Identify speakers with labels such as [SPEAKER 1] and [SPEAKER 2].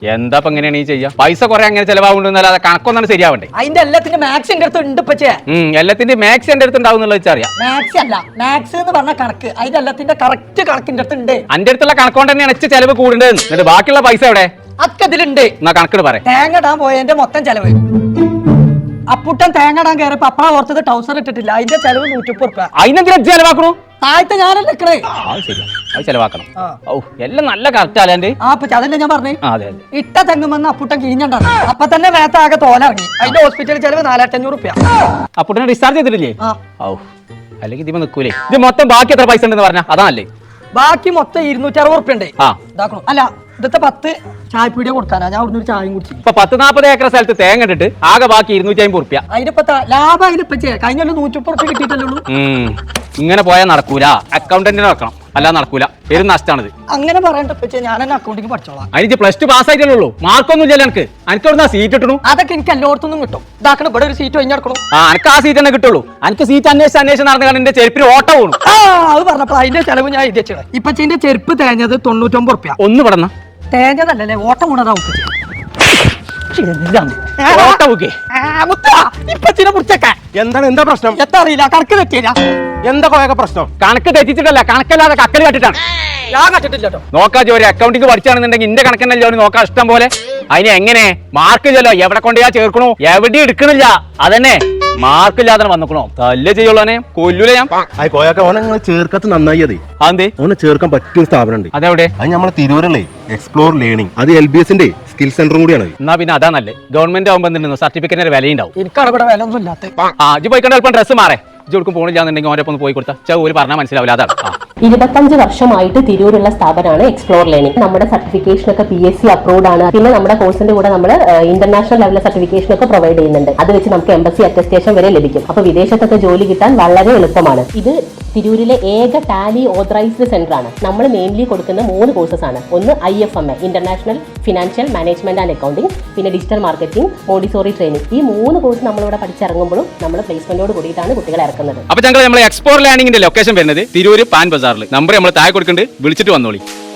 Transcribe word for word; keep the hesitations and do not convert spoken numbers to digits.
[SPEAKER 1] എന്താ ഇപ്പൊ എങ്ങനെയാണ് ഈ ചെയ്യാ? പൈസ കുറെ അങ്ങനെ ചെലവാകുന്നല്ലാതെ കണക്കൊന്നാണ് ശരിയാവണ്ടേ?
[SPEAKER 2] അതിന്റെ എല്ലാത്തിന്റെ മാത്സ് എന്റെ അടുത്ത് ഉണ്ട് ഇപ്പച്ചേ.
[SPEAKER 1] എല്ലാത്തിന്റെ മാത്സ് എന്റെ അടുത്ത് ഉണ്ടാവും എന്നുള്ളത് വെച്ചറിയാം.
[SPEAKER 2] മാത്സ് അല്ല, മാത്സ് എന്ന് പറഞ്ഞ കണക്ക്. അതിന്റെ എല്ലാത്തിന്റെ കറക്റ്റ് കണക്കിന്റെ അടുത്ത് ഉണ്ട്.
[SPEAKER 1] അന്റെ അടുത്തുള്ള കണക്കൊണ്ട് തന്നെയാണ് എച്ച് ചെലവ് കൂടുതൽ. എന്നിട്ട് ബാക്കിയുള്ള പൈസ എവിടെ?
[SPEAKER 2] അതൊക്കെ ഇതിലുണ്ട്.
[SPEAKER 1] എന്നാ കണക്കിട് പറയാം.
[SPEAKER 2] തേങ്ങ ഇടാൻ പോയതിന്റെ മൊത്തം ചെലവ്. അപ്പുട്ടൻ തേങ്ങ ഇടാൻ കയറിയപ്പോ അപ്പഴ ഓർത്തത് ടൗസർ ഇട്ടിട്ടില്ല. അതിന്റെ ചെലവ് നൂറ്റിപ്പത് റുപ്യ.
[SPEAKER 1] അതിനെന്തിനാ ചെലവാക്കണു?
[SPEAKER 2] താഴത്തെ ഞാനല്ലേ നിക്കണേ.
[SPEAKER 1] അത് ശരിയാ, അത് ചെലവാക്കണം. ഓ എല്ലാം നല്ല കറക്റ്റ് അല്ലാണ്ട്.
[SPEAKER 2] ആ അപ്പൊ അതല്ലേ ഞാൻ പറഞ്ഞേ.
[SPEAKER 1] അതെ അതെ.
[SPEAKER 2] ഇട്ട തെങ്ങുമെന്ന് അപ്പുട്ടൻ കിഴിഞ്ഞണ്ടാണ്. അപ്പൊ തന്നെ മേത്ത ആകെ തോലിറങ്ങി. അതിന്റെ ഹോസ്പിറ്റൽ ചെലവ് നാലായിരത്തി അഞ്ഞൂറ് റുപ്യ.
[SPEAKER 1] അപ്പുട്ടനെ ഡിസ്ചാർജ് ചെയ്തിട്ടില്ലേ? ഓ അല്ലെങ്കിൽ ഇതിപ്പോ നിക്കൂലേ? ഇത് മൊത്തം ബാക്കി എത്ര പൈസ ഉണ്ടെന്ന് പറഞ്ഞാ അതല്ലേ?
[SPEAKER 2] ബാക്കി മൊത്തം ഇരുന്നൂറ്റി അറുപത് റുപ്യ ഉണ്ട്.
[SPEAKER 1] ആ
[SPEAKER 2] ഇതാക്കണം. അല്ല ഇന്നത്തെ പത്ത് ചായപ്പീടിയ കൊടുക്കാനാ. ഞാൻ ഒരു ചായയും കുടിച്ചു.
[SPEAKER 1] ഇപ്പൊ പത്ത് നാപ്പത് ഏക്കർ സ്ഥലത്ത് തേങ്ങ ഇട്ടിട്ട് ആകെ ബാക്കി ഇരുന്നൂറ്റി അമ്പത് റുപ്യ.
[SPEAKER 2] അതിനിപ്പ ലാഭം അതിനിപ്പ കഴിഞ്ഞ നൂറ്റിപ്പത് റുപ്യ കിട്ടിയിട്ടല്ലേ ഉള്ളൂ.
[SPEAKER 1] ഇങ്ങനെ പോയാൽ നടക്കൂല. അക്കൗണ്ടന്റിനെ വെക്കണം, അല്ലാതെ നടക്കൂല. പേരും നഷ്ടമാണിത്.
[SPEAKER 2] അങ്ങനെ പറയണ്ട ഞാൻ എന്നെ അക്കൗണ്ടിങ് പഠിച്ചോളാം.
[SPEAKER 1] അതിന് പ്ലസ് ടു പാസ് ആയിട്ടല്ലേ ഉള്ളൂ, മാർക്കൊന്നും ഇല്ലല്ലോ എനിക്ക്. എനിക്ക് എവിടുന്ന സീറ്റ് കിട്ടണു?
[SPEAKER 2] അതൊക്കെ എനിക്ക് എല്ലായിടത്തും കിട്ടും. ഇതാക്കണം ഇവിടെ ഒരു സീറ്റ് കഴിഞ്ഞെടുക്കണം.
[SPEAKER 1] ആ എനിക്ക് ആ സീറ്റ് തന്നെ കിട്ടുള്ളൂ. എനിക്ക് സീറ്റ് അന്വേഷിച്ച് അന്വേഷണം നടന്നു കാരണം എന്റെ ചെരുപ്പിന് ഓട്ടം പോണു.
[SPEAKER 2] ആ അത് പറഞ്ഞപ്പോൾ അതിന്റെ ചെലവ് ഞാൻ എഴുതി വെച്ചത്. ഇപ്പച്ചിന്റെ ചെരുപ്പ് തേഞ്ഞത് തൊണ്ണൂറ്റൊമ്പത് റുപ്യ.
[SPEAKER 1] ഒന്ന് പടന്ന
[SPEAKER 2] തേഞ്ഞതല്ലേ ഓട്ടം കൂടാ.
[SPEAKER 1] എന്താണ് എന്താ പ്രശ്നം?
[SPEAKER 2] എത്താ അറിയില്ല. കണക്ക് തെറ്റിയില്ല.
[SPEAKER 1] എന്താ കൊയൊക്കെ പ്രശ്നം? കണക്ക് തെറ്റിച്ചിട്ടല്ല, കണക്കല്ലാതെ കക്കല് കട്ടിട്ടാണ്.
[SPEAKER 2] ഞാൻ കണ്ടിട്ടില്ലോ.
[SPEAKER 1] നോക്കാ ജോലി അക്കൗണ്ടിങ് പഠിച്ചാണെന്നുണ്ടെങ്കിൽ ഇന്റെ കണക്കന്നല്ലോ നോക്കാം ഇഷ്ടം പോലെ. അതിന് എങ്ങനെ മാർക്ക് ഇല്ലല്ലോ, എവിടെ കൊണ്ടുപോയാ ചേർക്കണോ? എവിടെ എടുക്കണില്ല. അതന്നെ മാർക്കില്ലാതെ വന്നേക്കണോ? തല്ലേ ചെയ്യുള്ളനെ കൊല്ലൂല ഞാൻ.
[SPEAKER 3] ചേർക്കത്ത് നന്നായി. അതെ
[SPEAKER 1] അതെ
[SPEAKER 3] ഓനെ ചേർക്കാൻ പറ്റിയ സ്ഥാപനം ഉണ്ട്.
[SPEAKER 1] അതെവിടെ?
[SPEAKER 3] അത് നമ്മളെ തിരൂരല്ലേ എക്സ്പ്ലോർ ലേണിംഗ്. അത് എൽ ബി എസിന്റെ സ്കിൽ സെന്ററും കൂടിയാണ്.
[SPEAKER 1] എന്നാ പിന്നെ അതാ നല്ലേ. ഗവൺമെന്റ് ആവുമ്പോ എന്തിനു സർട്ടിഫിക്കറ്റിന് വിലയുണ്ടാവും.
[SPEAKER 2] എനിക്കാണ് ഇവിടെ വില ഒന്നും ഇല്ലാത്ത.
[SPEAKER 1] ആ ഇജ്ജ് പോയിക്കൊണ്ട് അല്പം ഡ്രസ്സ് മാറേ. ഇജ്ജ് പോണില്ലാന്നുണ്ടെങ്കിൽ ഓരോ ഒന്ന് പോയി കൊടുത്താൽ ചെ ഒരു പറഞ്ഞാൽ മനസ്സിലാവില്ല. അതാണ്.
[SPEAKER 4] ഇരുപത്തഞ്ച് വർഷമായിട്ട് തിരൂരുള്ള സ്ഥാപനമാണ് എക്സ്പ്ലോർ ലേണിംഗ്. നമ്മുടെ സർട്ടിഫിക്കേഷൻ ഒക്കെ പി എസ് സി അപ്രൂവ്ഡ് ആണ്. പിന്നെ നമ്മുടെ കോഴ്സിന്റെ കൂടെ നമ്മൾ ഇന്റർനാഷണൽ ലെവലിലെ സർട്ടിഫിക്കേഷൻ ഒക്കെ പ്രൊവൈഡ് ചെയ്യുന്നുണ്ട്. അത് വെച്ച് നമുക്ക് എംബസി അറ്റസ്റ്റേഷൻ വരെ ലഭിക്കും. അപ്പൊ വിദേശത്തൊക്കെ ജോലി കിട്ടാൻ വളരെ എളുപ്പമാണ്. ഇത് തിരൂരിലെ ഏക ടാലി ഓതറൈസ്ഡ് സെന്റർ ആണ്. നമ്മൾ മെയിൻലി കൊടുക്കുന്ന മൂന്ന് കോഴ്സസ് ആണ്. ഒന്ന് I F M A international financial management and accounting, പിന്നെ ഡിജിറ്റൽ മാർക്കറ്റിംഗ്, മോഡിസോറി ട്രെയിനിങ്. ഈ മൂന്ന് കോഴ്സ് നമ്മളിവിടെ പഠിച്ചിറങ്ങുമ്പോഴും നമ്മൾ പ്ലേസ്മെന്റോട് കൂടിയിട്ടാണ് കുട്ടികളെ ഇറക്കുന്നത്.
[SPEAKER 1] അപ്പൊ ഞങ്ങൾ നമ്മളെ എക്സ്പ്ലോർ ലേണിംഗിന്റെ ലൊക്കേഷൻ വരുന്നത് തിരൂര് പാൻ ബസാറിൽ. നമ്പർ നമ്മൾ താഴെ കൊടുക്കുന്നുണ്ട്, വിളിച്ചിട്ട് വന്നോളി.